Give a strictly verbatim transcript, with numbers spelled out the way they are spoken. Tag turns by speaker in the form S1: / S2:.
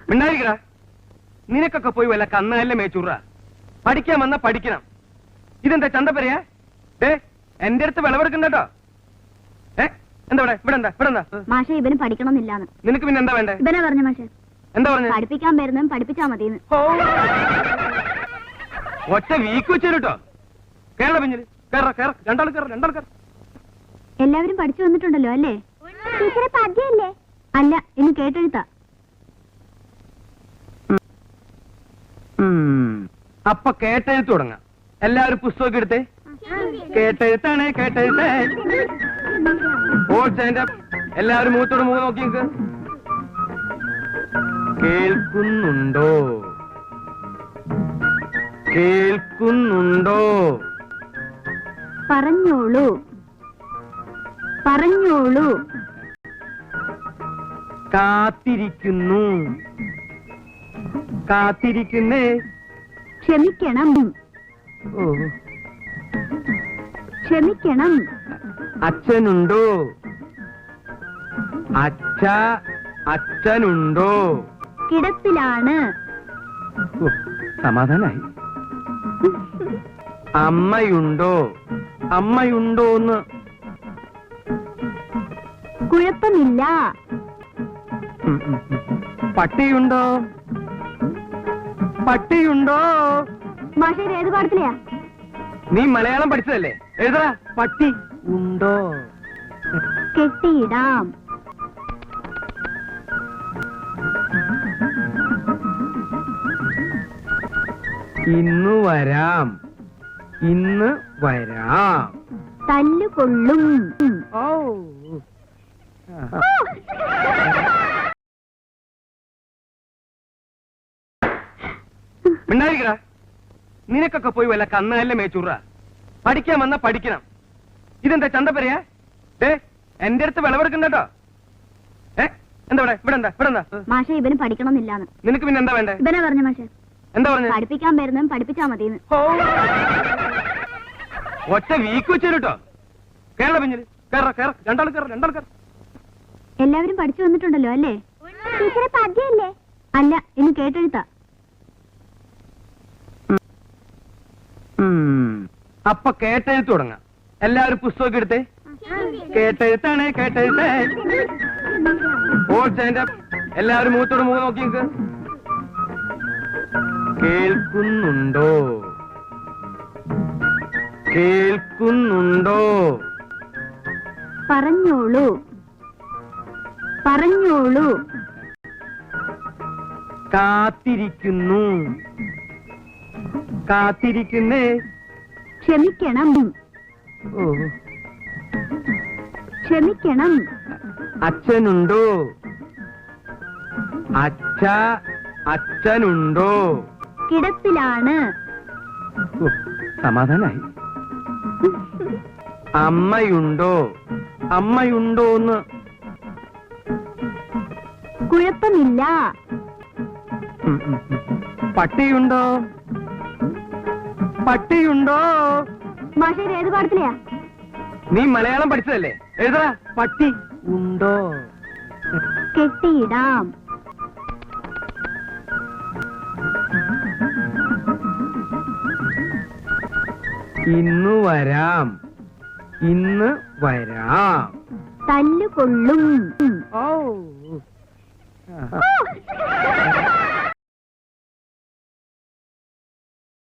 S1: മിണ്ടായിരിക്കടാ. നിനക്കൊക്കെ പോയി വല്ല കന്നല്ലേ മേച്ചൂറ. പഠിക്കാൻ വന്നാ പഠിക്കണം. ഇതെന്താ ചന്തപ്പരയാ? ഏ എന്റെ അടുത്ത് വിളവെടുക്കണ്ടോ? ഏ എന്താ ഇവിടെ ഇവിടെ എന്താ ഇവിടെ എന്താ?
S2: മാഷെ ഇവന് പഠിക്കണമെന്നില്ലാന്ന്.
S1: നിനക്ക് പിന്നെ എന്താ വേണ്ടേ?
S2: ഇവനെ പറഞ്ഞു മാഷെ.
S1: എന്താ പറഞ്ഞു?
S2: പഠിപ്പിക്കാൻ വരുന്നതും പഠിപ്പിച്ചാ മതിന്ന്.
S1: ഒറ്റ വീക്ക് വെച്ചു കേട്ടോ. കേരള പിഞ്ഞില് കേറ കേറ രണ്ടാൾ കേറ രണ്ടാൾ കേറ.
S2: എല്ലാവരും പഠിച്ചു വന്നിട്ടുണ്ടല്ലോ അല്ലേ? ടീച്ചറെ പദ്യല്ലേ? അല്ല, ഇനി കേട്ടെഴുത്താ.
S1: അപ്പൊ കേട്ടെഴുത്ത് തുടങ്ങാം. എല്ലാവരും പുസ്തകം എടുത്തേ. കേട്ടെഴുത്താണ് കേട്ടെഴുത്തേ. All stand up. എല്ലാവരും മുഖത്തോട് മുഖം നോക്കി നിൽക്ക്. കേൾക്കുന്നുണ്ടോ? കേൾക്കുന്നുണ്ടോ?
S2: പറഞ്ഞോളൂ പറഞ്ഞോളൂ.
S1: കാത്തിരിക്കുന്നു. കാത്തിരിക്കുന്നേ.
S2: ക്ഷമിക്കണം.
S1: ഓ
S2: ക്ഷമിക്കണം.
S1: അച്ഛനുണ്ടോ? അച്ഛ അച്ഛനുണ്ടോ?
S2: കിടപ്പിലാണ്.
S1: ഓ, സമാധാനായി. അമ്മയുണ്ടോ? അമ്മയുണ്ടോന്ന്.
S2: കുഴപ്പമില്ല.
S1: പട്ടിയുണ്ടോ? പട്ടിയുണ്ടോ?
S2: മാഷേ ഏത് പാടത്തിലെയാ?
S1: നീ മലയാളം പഠിച്ചതല്ലേ? എഴുതാ. പട്ടി ഉണ്ടോ?
S2: കെട്ടിയിടാം.
S1: ഇന്ന് വരാം. ഇന്ന് വരാം.
S2: തല്ലുകൊള്ളും.
S1: ഓ മിണ്ടായിരിക്കടാ. നിനക്കൊക്കെ പോയി വല്ല കന്നല്ലേ മേച്ചൂറ. പഠിക്കാൻ വന്നാ പഠിക്കണം. ഇതെന്താ ചന്തപ്പരയാ? ഏ എന്റെ അടുത്ത് വിളവെടുക്കണ്ടോ? ഏ എന്താ ഇവിടെ ഇവിടെ എന്താ ഇവിടെ എന്താ?
S2: മാഷെ ഇവന് പഠിക്കണമെന്നില്ലാന്ന്.
S1: നിനക്ക് പിന്നെ എന്താ വേണ്ടേ?
S2: ഇവനെ പറഞ്ഞു മാഷെ.
S1: എന്താ പറഞ്ഞു?
S2: പഠിപ്പിക്കാൻ വരുന്നതും പഠിപ്പിച്ചാ മതിന്ന്.
S1: ഒറ്റ വീക്ക് വെച്ചു കേട്ടോ. കേരള പിഞ്ഞില് കേറ കേറ രണ്ടാൾ കേറ രണ്ടാൾ കേറ.
S2: എല്ലാവരും പഠിച്ചു വന്നിട്ടുണ്ടല്ലോ അല്ലേ? ടീച്ചറെ പദ്യല്ലേ? അല്ല, ഇനി കേട്ടെഴുത്താ.
S1: അപ്പൊ കേട്ടെഴുത്ത് തുടങ്ങാം. എല്ലാവരും പുസ്തകം എടുത്തേ. കേട്ടെഴുത്താണ് കേട്ടെഴുത്തേ. All stand up. എല്ലാവരും മുഖത്തോട് മുഖം നോക്കി നിൽക്ക്. കേൾക്കുന്നുണ്ടോ? കേൾക്കുന്നുണ്ടോ?
S2: പറഞ്ഞോളൂ പറഞ്ഞോളൂ.
S1: കാത്തിരിക്കുന്നു. കാത്തിരിക്കുന്നേ.
S2: ക്ഷമിക്കണം.
S1: ഓ
S2: ക്ഷമിക്കണം.
S1: അച്ഛനുണ്ടോ? അച്ഛ അച്ഛനുണ്ടോ?
S2: കിടപ്പിലാണ്.
S1: ഓ, സമാധാനായി. അമ്മയുണ്ടോ? അമ്മയുണ്ടോന്ന്.
S2: കുഴപ്പമില്ല.
S1: പട്ടിയുണ്ടോ? പട്ടിയുണ്ടോ?
S2: മാഷേ ഏത് പാടത്തിലെയാ?
S1: നീ മലയാളം പഠിച്ചതല്ലേ? എഴുതാ. പട്ടി ഉണ്ടോ?
S2: കെട്ടിയിടാം.
S1: ഇന്ന് വരാം. ഇന്ന് വരാം.
S2: തല്ലുകൊള്ളും.
S1: ഓ